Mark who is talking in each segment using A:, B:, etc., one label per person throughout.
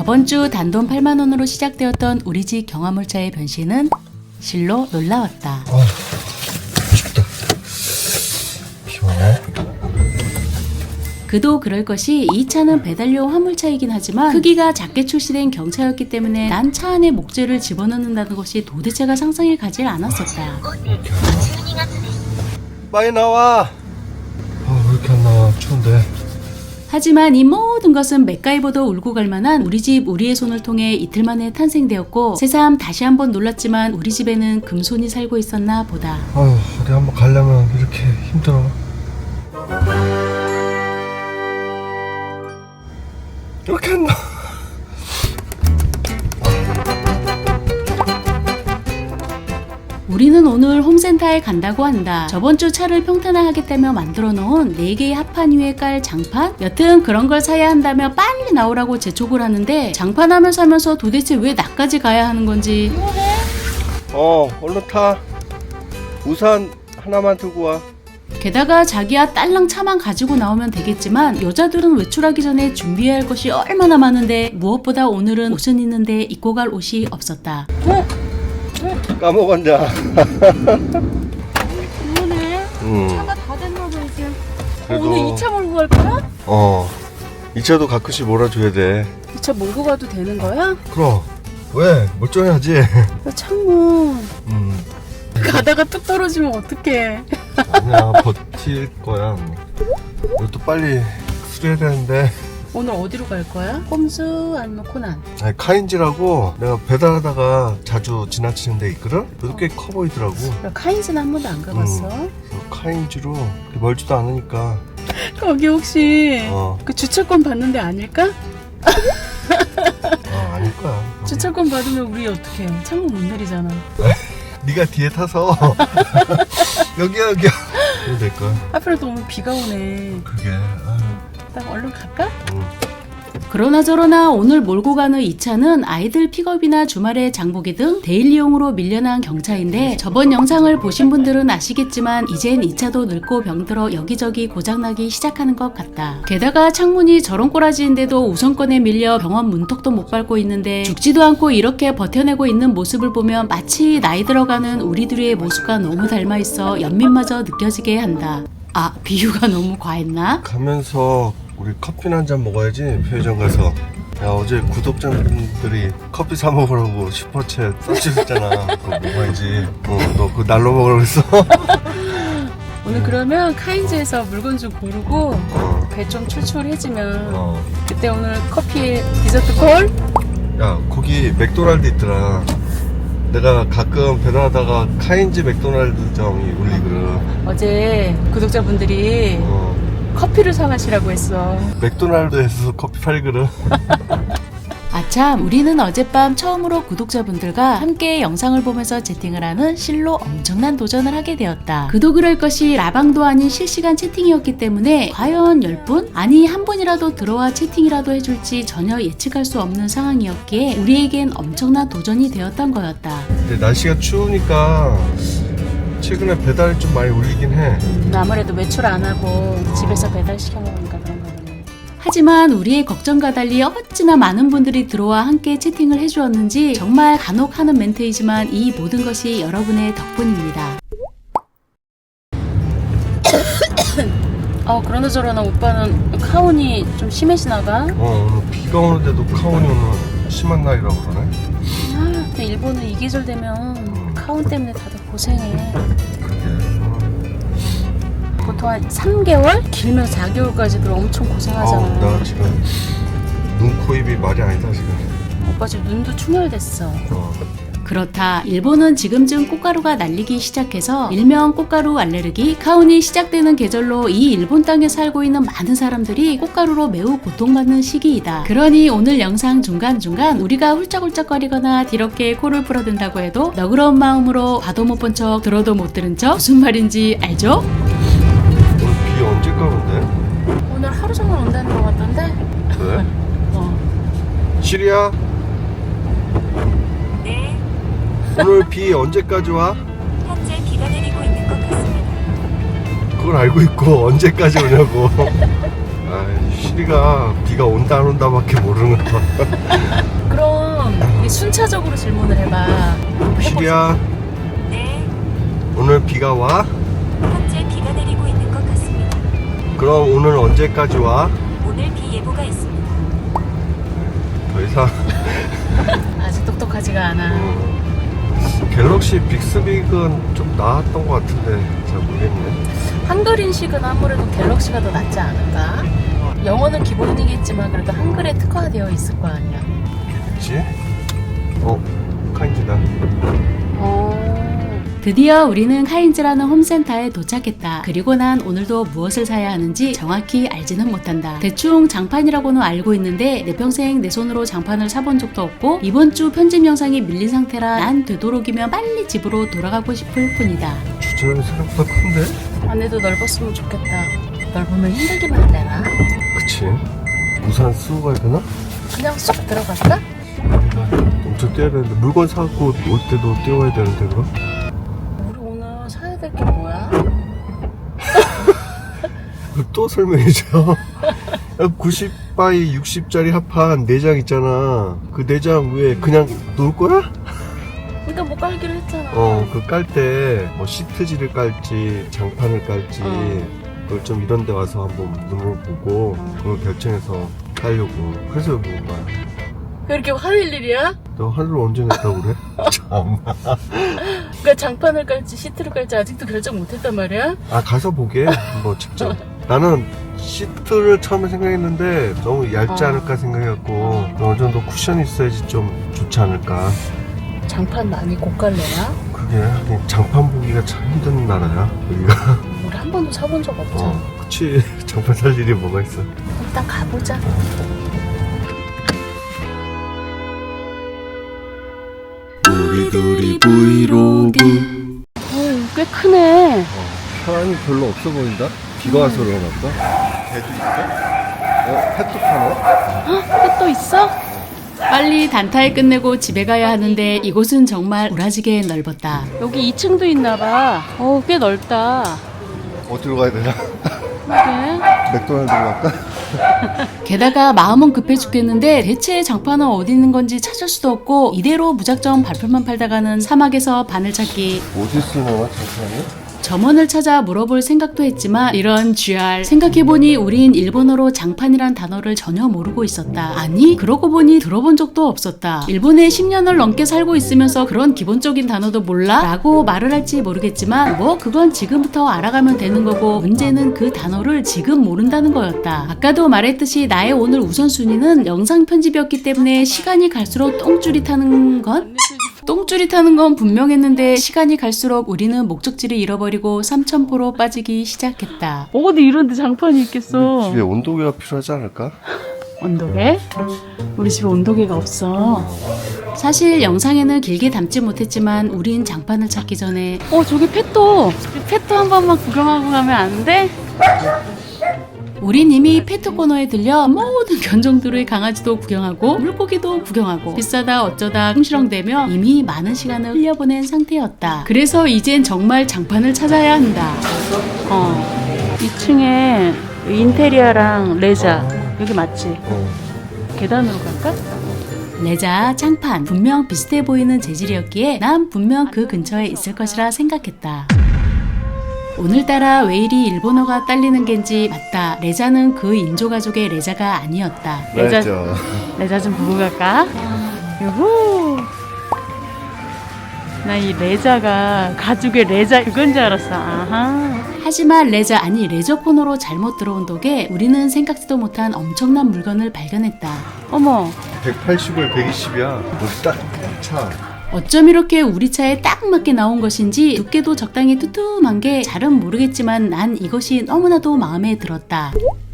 A: 저번 주 단돈 8만 원으로 시작되었던 우리 집 경화물차의 변신은 실로 놀라웠다.
B: 춥다. 시원해.
A: 그도 그럴 것이 이 차는 배달용 화물차이긴 하지만 크기가 작게 출시된 경차였기 때문에 난 차 안에 목재를 집어넣는다는 것이 도대체가 상상이 가지 않았었다.
B: 빨리 나와. 왜 이렇게 안 나와? 추운데.
A: 하지만 이 모든 것은 맥가이버도 울고 갈 만한 우리 집 우리의 손을 통해 이틀 만에 탄생되었고 새삼 다시 한번 놀랐지만 우리 집에는 금손이 살고 있었나 보다.
B: 어디 한번 가려면 이렇게 힘들어. 이렇게 안 나와.
A: 우리는 오늘 홈센터에 간다고 한다. 저번 주 차를 평탄화하겠다며 만들어 놓은 4개의 합판 위에 깔 장판? 여튼 그런 걸 사야 한다며 빨리 나오라고 재촉을 하는데 장판하면 사면서 도대체 왜 나까지 가야 하는 건지.
B: 얼른 타. 우산 하나만 들고 와.
A: 게다가 자기야 딸랑 차만 가지고 나오면 되겠지만 여자들은 외출하기 전에 준비해야 할 것이 얼마나 많은데 무엇보다 오늘은 옷은 있는데 입고 갈 옷이 없었다.
B: 까먹었냐?
C: 그러네. 차가 다 됐나 봐 이제.
B: 그래도-
C: 오늘 2차 몰고 갈 거야?
B: 이 차도 가끔씩 몰아줘야 돼.
C: 2차 몰고 가도 되는 거야?
B: 그럼. 왜? 멀쩡해야지.
C: 창문
B: 음.
C: 가다가 뚝 떨어지면 어떡해.
B: 아니야, 버틸 거야. 이것도 빨리 수리해야 되는데.
C: 오늘 어디로 갈 거야? 꼼수 아니면 코난?
B: 아니, 카인지라고 내가 배달하다가 자주 지나치는 데 있거든? 여기 꽤 커 보이더라고.
C: 나 카인즈는 한 번도 안 가봤어.
B: 카인지로 그렇게 멀지도 않으니까.
C: 거기 혹시
B: 어.
C: 그 주차권 받는 데 아닐까?
B: 아닐 거야.
C: 주차권 받으면 우리 어떡해. 창문 못 내리잖아.
B: 네가 뒤에 타서 여기야. 이러면 될 거야.
C: 하필 또 오늘 비가 오네.
B: 그게.
C: 나 얼른 갈까?
A: 그러나 저러나 오늘 몰고 가는 이 차는 아이들 픽업이나 주말에 장보기 등 데일리용으로 밀려난 경차인데 저번 영상을 보신 분들은 아시겠지만 이젠 이 차도 늙고 병들어 여기저기 고장나기 시작하는 것 같다. 게다가 창문이 저런 꼬라지인데도 우선권에 밀려 병원 문턱도 못 밟고 있는데 죽지도 않고 이렇게 버텨내고 있는 모습을 보면 마치 나이 들어가는 우리 둘의 모습과 너무 닮아있어 연민마저 느껴지게 한다. 비유가 너무 과했나?
B: 가면서 우리 커피나 한 잔 먹어야지. 편의점 가서. 야, 어제 구독자분들이 커피 사 먹으라고 슈퍼챗 써주셨잖아. 그거 먹어야지. 너 그거 날로 먹으라고 했어?
C: 오늘 그러면 카인즈에서 물건 좀 고르고 배 좀 출출해지면 그때 오늘 커피에 디저트 콜?
B: 야, 거기 맥도날드 있더라. 내가 가끔 배달하다가 카인즈 맥도날드점이 울리거든.
C: 어제 구독자분들이 커피를 사가시라고 했어.
B: 맥도날드에서 커피 팔거든.
A: 아참, 우리는 어젯밤 처음으로 구독자분들과 함께 영상을 보면서 채팅을 하는 실로 엄청난 도전을 하게 되었다. 그도 그럴 것이 라방도 아닌 실시간 채팅이었기 때문에 과연 10분? 아니 한 분이라도 들어와 채팅이라도 해줄지 전혀 예측할 수 없는 상황이었기에 우리에겐 엄청난 도전이 되었던 거였다.
B: 근데 날씨가 추우니까 최근에 배달이 좀 많이 울리긴 해.
C: 아무래도 외출 안 하고 집에서 배달 시켜 먹으니까 그런 거네.
A: 하지만 우리의 걱정과 달리 어찌나 많은 분들이 들어와 함께 채팅을 해주었는지 정말 간혹 하는 멘트이지만 이 모든 것이 여러분의 덕분입니다.
C: 그러나 저러나 오빠는 카운이 좀 심해지나 봐.
B: 오늘 비가 오는데도 카온이 오늘 심한 날이라고 그러네.
C: 근데 일본은 이 계절 되면 카운 때문에 다들 고생해. 보통 한 3개월? 길면 4개월까지도 엄청 고생하잖아.
B: 나 지금 눈, 코, 입이 말이 아니다 지금.
C: 오빠 지금 눈도 충혈됐어.
A: 그렇다. 일본은 지금쯤 꽃가루가 날리기 시작해서 일명 꽃가루 알레르기, 카운이 시작되는 계절로 이 일본 땅에 살고 있는 많은 사람들이 꽃가루로 매우 고통받는 시기이다. 그러니 오늘 영상 중간중간 우리가 훌쩍훌쩍거리거나 뒤렇게 코를 풀어댄다고 해도 너그러운 마음으로 봐도 못 본 척 들어도 못 들은 척 무슨 말인지 알죠?
B: 오늘 비 언제 가는데?
C: 오늘 하루 종일 온다는 것 같던데?
B: 그래? 시리야?
D: 네,
B: 오늘 비 언제까지 와?
D: 현재 비가 내리고 있는 것 같습니다.
B: 그걸 알고 있고 언제까지 오냐고. 아이씨. 시리가 비가 온다 안 온다밖에 모르는 거야.
C: 그럼 우리 순차적으로 질문을 해봐.
B: 시리야,
D: 네,
B: 오늘 비가 와?
D: 현재 비가 내리고 있는 것 같습니다.
B: 그럼 오늘 언제까지 와?
D: 오늘 비 예보가 있습니다.
B: 더 이상
C: 아직 똑똑하지가 않아.
B: 갤럭시 빅스빅은 좀 나았던 것 같은데 잘 모르겠네.
C: 한글 인식은 아무래도 갤럭시가 더 낫지 않을까? 영어는 기본이겠지만 그래도 한글에 특화되어 있을 거 아니야.
B: 그치? 카인지다.
A: 드디어 우리는 카인즈라는 홈센터에 도착했다. 그리고 난 오늘도 무엇을 사야 하는지 정확히 알지는 못한다. 대충 장판이라고는 알고 있는데 내 평생 내 손으로 장판을 사본 적도 없고 이번 주 편집 영상이 밀린 상태라 난 되도록이면 빨리 집으로 돌아가고 싶을 뿐이다.
B: 주차장이 생각보다 큰데?
C: 안에도 넓었으면 좋겠다. 넓으면 힘들기만 되나?
B: 그치? 우산 쓰고 가야 되나?
C: 그냥 쏙 들어갈까?
B: 엄청 뛰어야 되는데 물건 사고 올 때도 뛰어와야 되는데 그럼?
C: 우리 오늘 사야 될 게 뭐야?
B: 또 설명해줘. 90바이 60짜리 합판 4장 있잖아. 그 4장 위에 그냥 놓을 거야?
C: 그러니까 뭐 깔기로 했잖아.
B: 그 깔 때 뭐 시트지를 깔지 장판을 깔지 그걸 좀 이런 데 와서 한번 눈을 보고 그걸 결정해서 깔려고. 그래서 여기 온 거야.
C: 왜 이렇게 화낼 일이야?
B: 너 하루를 언제 냈다고 그래? 참.
C: 그러니까 장판을 깔지 시트를 깔지 아직도 결정 못했단 말이야?
B: 아, 가서 보게. 뭐 직접. 나는 시트를 처음에 생각했는데 너무 얇지 않을까 생각해갖고 어느 정도 쿠션이 있어야지 좀 좋지 않을까.
C: 장판 많이 고깔래나?
B: 그게 하긴 장판 보기가 참 힘든 나라야 여기가.
C: 우리 한 번도 사본 적 없잖아.
B: 그치. 장판 살 일이 뭐가 있어.
C: 일단 가보자.
B: 우리들이 브이로그.
C: 꽤 크네.
B: 사람이 별로 없어 보인다? 비가 와서 그런가 보다. 개도 있어? 펫도 파네?
C: 또 있어?
A: 빨리 단타에 끝내고 집에 가야 하는데 이곳은 정말 우라지게 넓었다.
C: 여기 2층도 있나 봐. 꽤 넓다.
B: 어디로 가야 되나?
C: 그래?
B: 맥도날드로 갈까?
A: 게다가 마음은 급해 죽겠는데 대체 장판은 어디 있는 건지 찾을 수도 없고 이대로 무작정 발표만 팔다가는 사막에서 바늘 찾기.
B: 어디 쓰나 장판이?
A: 점원을 찾아 물어볼 생각도 했지만 이런 GR 생각해보니 우린 일본어로 장판이란 단어를 전혀 모르고 있었다. 아니 그러고 보니 들어본 적도 없었다. 일본에 10년을 넘게 살고 있으면서 그런 기본적인 단어도 몰라? 라고 말을 할지 모르겠지만 뭐 그건 지금부터 알아가면 되는 거고 문제는 그 단어를 지금 모른다는 거였다. 아까도 말했듯이 나의 오늘 우선순위는 영상 편집이었기 때문에 시간이 갈수록 똥줄이 타는 건 분명했는데 시간이 갈수록 우리는 목적지를 잃어버리고 삼천포로 빠지기 시작했다.
C: 어디 이런데 장판이 있겠어.
B: 집에 온도계가 필요하지 않을까?
C: 온도계? 우리 집에 온도계가 없어.
A: 사실 영상에는 길게 담지 못했지만 우린 장판을 찾기 전에
C: 저기 펫도 한 번만 구경하고 가면 안 돼?
A: 우린 이미 페트 코너에 들려 모든 견종들의 강아지도 구경하고 물고기도 구경하고 비싸다 어쩌다 흥시렁대며 이미 많은 시간을 흘려보낸 상태였다. 그래서 이젠 정말 장판을 찾아야 한다.
C: 2층에 인테리어랑 레자 여기 맞지? 계단으로 갈까?
A: 레자, 장판 분명 비슷해 보이는 재질이었기에 난 분명 그 근처에 있을 것이라 생각했다. 오늘따라 왜 이리 일본어가 딸리는 겐지. 맞다. 레자는 그 인조가족의 레자가 아니었다.
C: 레자 좀 보고 갈까? 유후. 나 이 레자가 가죽의 레자 그건 줄 알았어. 아하.
A: 하지만 레자 아니 레저 코너로 잘못 들어온 덕에 우리는 생각지도 못한 엄청난 물건을 발견했다.
C: 어머.
B: 180을 120이야. 우리 딱 차. 어쩜
A: 이렇게 우리 차에 딱 맞게 나온 것인지 두께도 적당히 두툼한 게 잘은 모르겠지만 난 이것이 너무나도 마음에 들었다.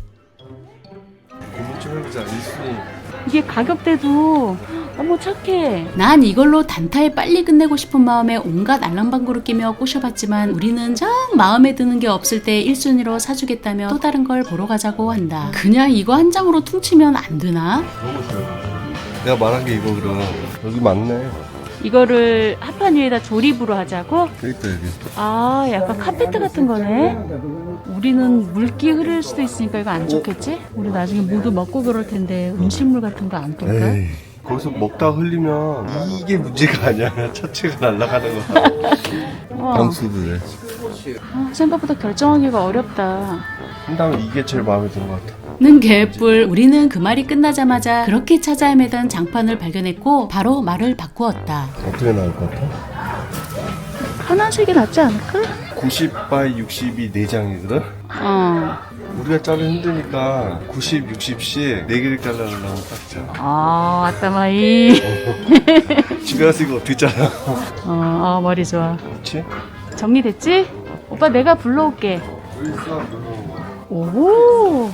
B: 고민 좀 해보자. 1순위.
C: 이게 가격대도 어머 착해.
A: 난 이걸로 단타에 빨리 끝내고 싶은 마음에 온갖 알랑방구를 끼며 꼬셔봤지만 우리는 정 마음에 드는 게 없을 때 1순위로 사주겠다며 또 다른 걸 보러 가자고 한다. 그냥 이거 한 장으로 퉁치면 안 되나?
B: 너무 좋아. 내가 말한 게 이거 그럼. 여기 맞네.
C: 이거를 합판 위에다 조립으로 하자고?
B: 그러니까 여기.
C: 아, 약간 카페트 같은 거네. 우리는 물기 흐를 수도 있으니까 이거 안 좋겠지? 우리 나중에 모두 먹고 그럴 텐데 음식물 같은 거 안 뜰까?
B: 에이, 거기서 먹다 흘리면 이게 문제가 아니야. 차체가 날아가는 거야.
C: 와,
B: 방수들에.
C: 생각보다 결정하기가 어렵다.
B: 한 다음에 이게 제일 마음에 드는 것 같아.
A: 는 개뿔. 우리는 그 말이 끝나자마자 그렇게 찾아 헤매던 장판을 발견했고 바로 말을 바꾸었다.
B: 어떻게 나올 것 같아?
C: 하나씩이 낫지 않을까?
B: 90by 60이 4장이거든? 우리가 자르기 힘드니까 90, 60씩 4개를 잘라내려면 딱 잘.
C: 아따마이.
B: 집에 가서 이거 어떻게 잘라?
C: 머리 좋아.
B: 그렇지?
C: 정리됐지? 오빠 내가 불러올게.
B: 여기 있어, 누르는 거.
C: 오.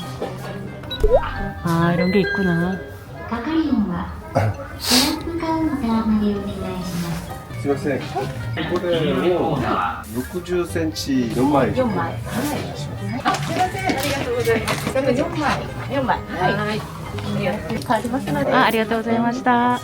C: 아, 이런 게 있구나.
E: 係員はスナップカウンターまでお願いします。
B: すいません。これを60センチ4枚。4枚。
C: あ、ありがとうございました。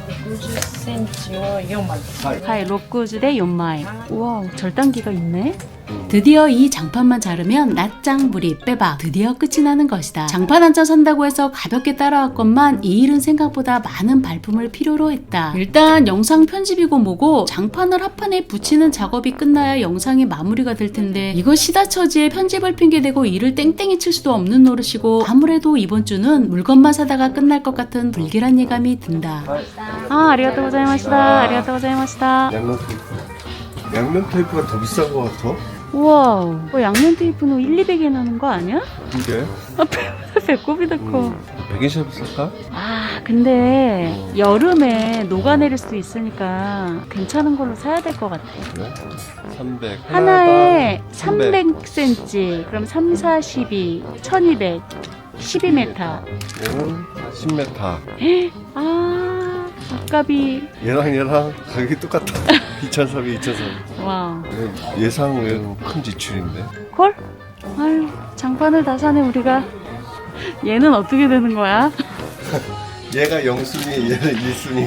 C: はい、6주 대 4枚. 우와, 절단기가 있네.
A: 드디어 이 장판만 자르면 낫짱부리 빼박 드디어 끝이 나는 것이다. 장판 한 장 산다고 해서 가볍게 따라왔건만 이 일은 생각보다 많은 발품을 필요로 했다. 일단 영상 편집이고 뭐고 장판을 합판에 붙이는 작업이 끝나야 영상이 마무리가 될 텐데 이거 시다처지에 편집을 핑계대고 일을 땡땡이 칠 수도 없는 노릇이고 아무래도 이번 주는 물건만 사다가 끝날 것 같은 불길한 예감이 든다.
C: 아, 아리가또 고자이마시다. 아리가또 고자이마시다.
B: 양면 테이프. 양면 테이프가 더 비싼 것 같아.
C: 우와, 양면 테이프는 1, 200엔 하는 거 아니야?
B: 근데
C: 배꼽이다 커.
B: 백인샵 쓸까?
C: 아, 근데 여름에 녹아내릴 수도 있으니까 괜찮은 걸로 사야 될 것 같아.
B: 그래? 300.
C: 하나에
B: 하나당
C: 300cm, 그럼 3, 4, 12, 1200, 12m.
B: 얘는 10m.
C: 아, 아깝이.
B: 얘랑 가격이 똑같아. 2,300, 2,300.
C: 와.
B: 예상 외로 큰 지출인데.
C: 콜? 아유, 장판을 다 사네, 우리가. 얘는 어떻게 되는 거야?
B: 얘가 0순위, 얘는 1순위.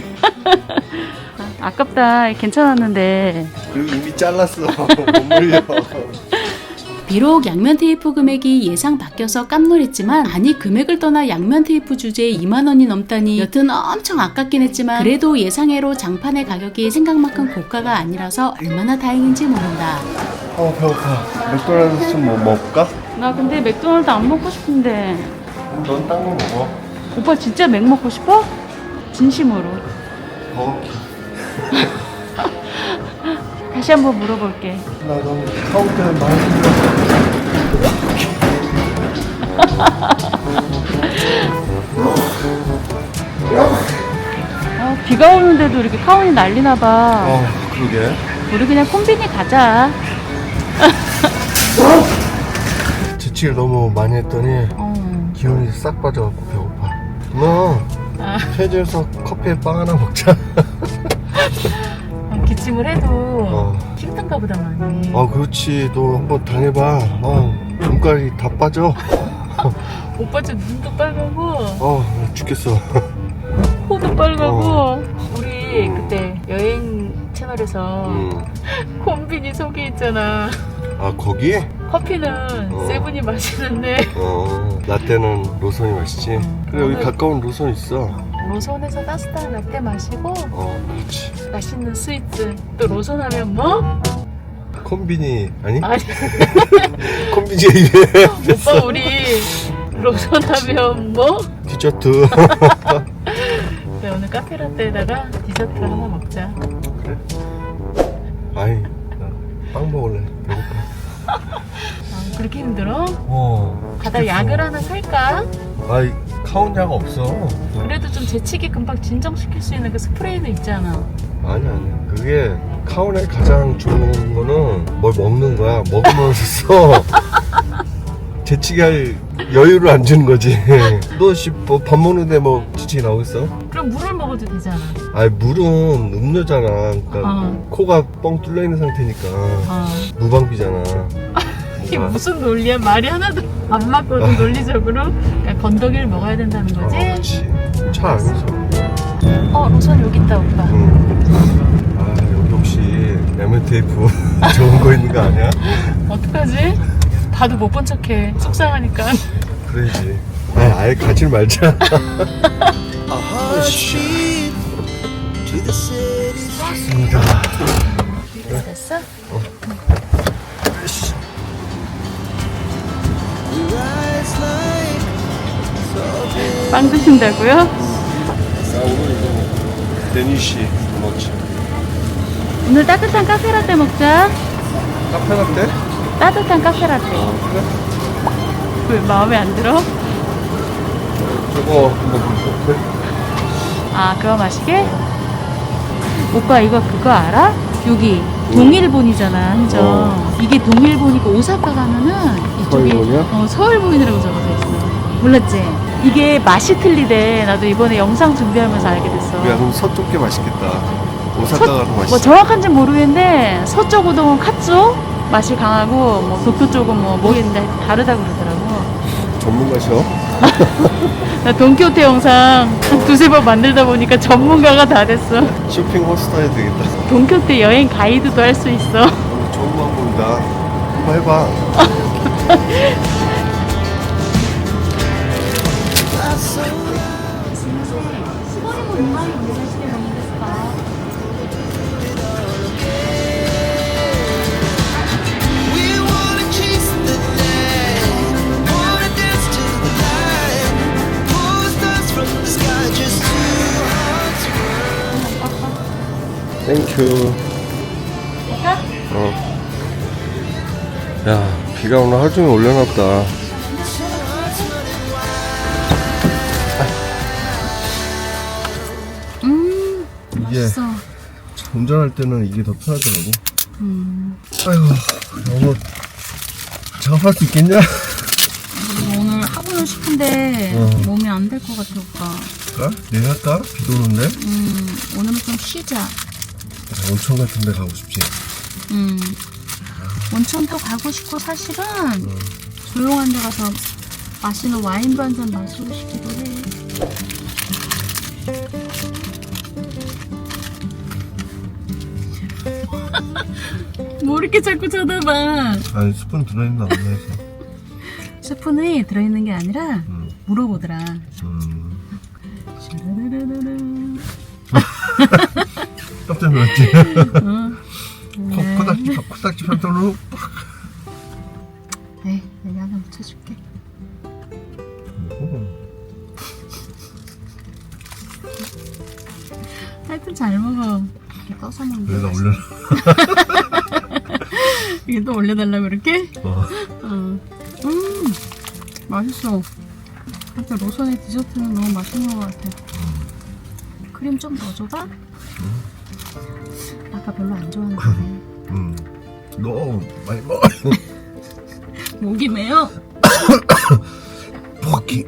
C: 아깝다. 괜찮았는데.
B: 그리고 이미 잘랐어. 못 물려.
A: 비록 양면 테이프 금액이 예상 바뀌어서 깜놀했지만 아니 금액을 떠나 양면 테이프 주제에 2만원이 넘다니 여튼 엄청 아깝긴 했지만 그래도 예상외로 장판의 가격이 생각만큼 고가가 아니라서 얼마나 다행인지 모른다.
B: 배고파. 맥도날드 좀 뭐 먹을까?
C: 나 근데 맥도날드 안 먹고 싶은데.
B: 넌 딴 거 먹어.
C: 오빠 진짜 맥 먹고 싶어? 진심으로.
B: 버거킹.
C: 다시 한번 물어볼게.
B: 나 너무 카운터에 많이
C: 비가 오는데도 이렇게 카운이 날리나 봐.
B: 그러게.
C: 우리 그냥 콤비니 가자.
B: 지치를 너무 많이 했더니 기운이 싹 빠져갖고 배고파. 누나, 편의점에서 커피에 빵 하나 먹자.
C: 기침을 해도 힘든가 보다 많이.
B: 그렇지. 너 한번 당해봐. 눈깔이 다 빠져.
C: 오빠 지금 눈도 빨갛고
B: 죽겠어.
C: 코도 빨갛고. 우리 그때 여행 채널에서 콤비니 소개했잖아.
B: 거기?
C: 커피는 세븐이 마시는데
B: 라떼는 로선이 맛있지. 그래, 여기 가까운 로선 있어.
C: 로선에서 따뜻한 라떼 마시고
B: 그렇지.
C: 맛있는 스위트. 또 로선 하면 뭐?
B: 콤비니 아니?
C: 아니
B: 콤비니 이래.
C: 오빠 우리 로선 하면 뭐?
B: 디저트.
C: 네, 오늘 카페라떼에다가 디저트 하나 먹자.
B: 그래? 아이, 나 빵 먹을래. 배고파.
C: 그렇게 힘들어? 가다
B: 죽겠어.
C: 약을 하나 살까?
B: 아이, 카운약 없어.
C: 그래도 좀 재치기 금방 진정시킬 수 있는 그 스프레이는 있잖아.
B: 아니. 그게 카운에 가장 좋은 거는 뭘 먹는 거야. 먹으면서 재치기 할 여유를 안 주는 거지. 너 뭐 밥 먹는데 뭐 지치기 나오겠어?
C: 그럼 물을 먹어도 되잖아.
B: 아니, 물은 음료잖아. 그러니까 코가 뻥 뚫려 있는 상태니까 무방비잖아.
C: 이게 무슨 논리야? 말이 하나도 안 맞거든, 논리적으로. 그러니까 건더기를 먹어야 된다는 거지?
B: 그렇지. 차 안에서.
C: 로선 여기 있다, 오빠.
B: 응. 양면 테이프 좋은 거 있는 거 아니야?
C: 어떡하지? 봐도 못 본 척해. 속상하니까.
B: 그래야지. 아예 가지 말자. 맞습니다.
C: 됐어? 빵 드신다고요?
B: 나 오늘 이거 데니시 먹지.
C: 오늘 따뜻한 카페라떼 먹자.
B: 카페 라떼?
C: 따뜻한 카페라떼.
B: 그래?
C: 왜 마음에 안 들어?
B: 저거 한번 볼게.
C: 아, 그거 마시게? 오빠 이거 그거 알아? 여기 동일본이잖아, 한정. 이게 동일본이고 오사카 가면은 이쪽에
B: 서울본이야?
C: 서울본이라고 적어져 있어. 몰랐지? 이게 맛이 틀리대. 나도 이번에 영상 준비하면서 알게 됐어.
B: 야, 그럼 서쪽 게 맛있겠다. 오사카 가는
C: 뭐
B: 맛있어.
C: 정확한지 모르겠는데 서쪽 우동은 카츠오 맛이 강하고 뭐 도쿄 쪽은 뭐 모르겠는데 다르다 그러더라고.
B: 전문가셔?
C: 나 돈키호테 영상 한 두세 번 만들다 보니까 전문가가 다 됐어.
B: 쇼핑 호스터 해야 되겠다.
C: 돈키호테 여행 가이드도 할 수 있어.
B: 좋은 방법이다. 한번 해봐.
F: We wanna chase the night, wanna dance to the light, pull stars from the sky, just two hearts.
B: 땡큐. 야, 비가 오늘 하루 종일 올려놨다. 이게
C: 맛있어.
B: 운전할 때는 이게 더 편하더라고. 아이고, 너무 작업할 수 있겠냐?
C: 오늘 하고는 싶은데 몸이 안 될 것 같아 오빠.
B: 할까? 내일 할까? 비도 오는데?
C: 오늘은 좀 쉬자.
B: 온천 같은 데 가고 싶지.
C: 온천도 가고 싶고 사실은 조용한 데 가서 맛있는 와인도 한 잔 마시고 싶기도 해. 뭐 이렇게 자꾸 쳐다봐.
B: 아니, 스푼 들어있나 없나 해서.
C: 스푼이 들어있는 게 아니라 물어보더라.
B: 깜짝 놀랐지?
C: 네.
B: 코딱지 편도로 팍.
C: 에이, 내가 하나 묻혀줄게. 하여튼 잘 먹어. 이렇게 떠서 먹는
B: 그래서
C: 거.
B: 올려놔.
C: 이게 또 올려달라고 그렇게?
B: 어.
C: 맛있어. 하여튼 로선의 디저트는 너무 맛있는 것 같아. 크림 좀 더 줘봐? 아까 별로 안 좋아하는데.
B: 너무 많이 먹어.
C: 목이 메요?
B: 포기.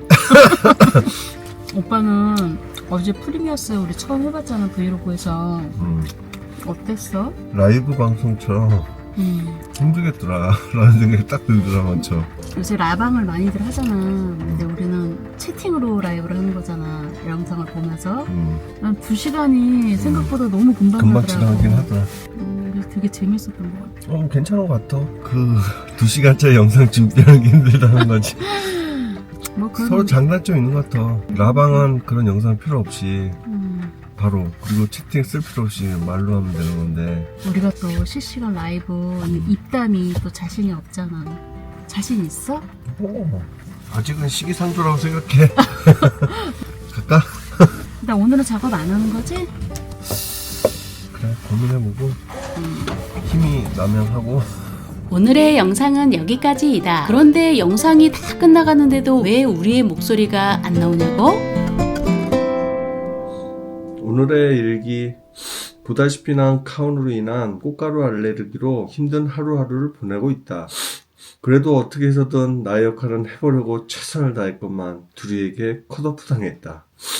C: 오빠는 어제 프리미어스 우리 처음 해봤잖아, 브이로그에서. 어땠어?
B: 라이브 방송처럼 힘들겠더라 라는 생각이 딱 들더라 먼저.
C: 요새 라방을 많이들 하잖아. 근데 우리는 채팅으로 라이브를 하는 거잖아, 영상을 보면서. 난 2시간이 생각보다 너무 금방
B: 금방
C: 가더라고.
B: 지나가긴 하더라.
C: 그래서 되게 재밌었던 것 같아.
B: 괜찮은 것 같아. 그 2시간짜리 영상 준비하는 게 힘들다는 거지.
C: 뭐 그런
B: 서로 장단점 있는 것 같아. 라방은 그런 영상 필요 없이 바로, 그리고 채팅 쓸 필요 없이 말로 하면 되는 건데.
C: 우리가 또 실시간 라이브 입담이 또 자신이 없잖아. 자신 있어?
B: 아직은 시기상조라고 생각해. 갈까?
C: 나 오늘은 작업 안 하는 거지?
B: 그래, 고민해보고 힘이 나면 하고.
A: 오늘의 영상은 여기까지이다. 그런데 영상이 다 끝나가는데도 왜 우리의 목소리가 안 나오냐고?
B: 오늘의 일기. 보다시피 난 카운으로 인한 꽃가루 알레르기로 힘든 하루하루를 보내고 있다. 그래도 어떻게 해서든 나의 역할은 해보려고 최선을 다했건만 둘이에게 컷오프 당했다.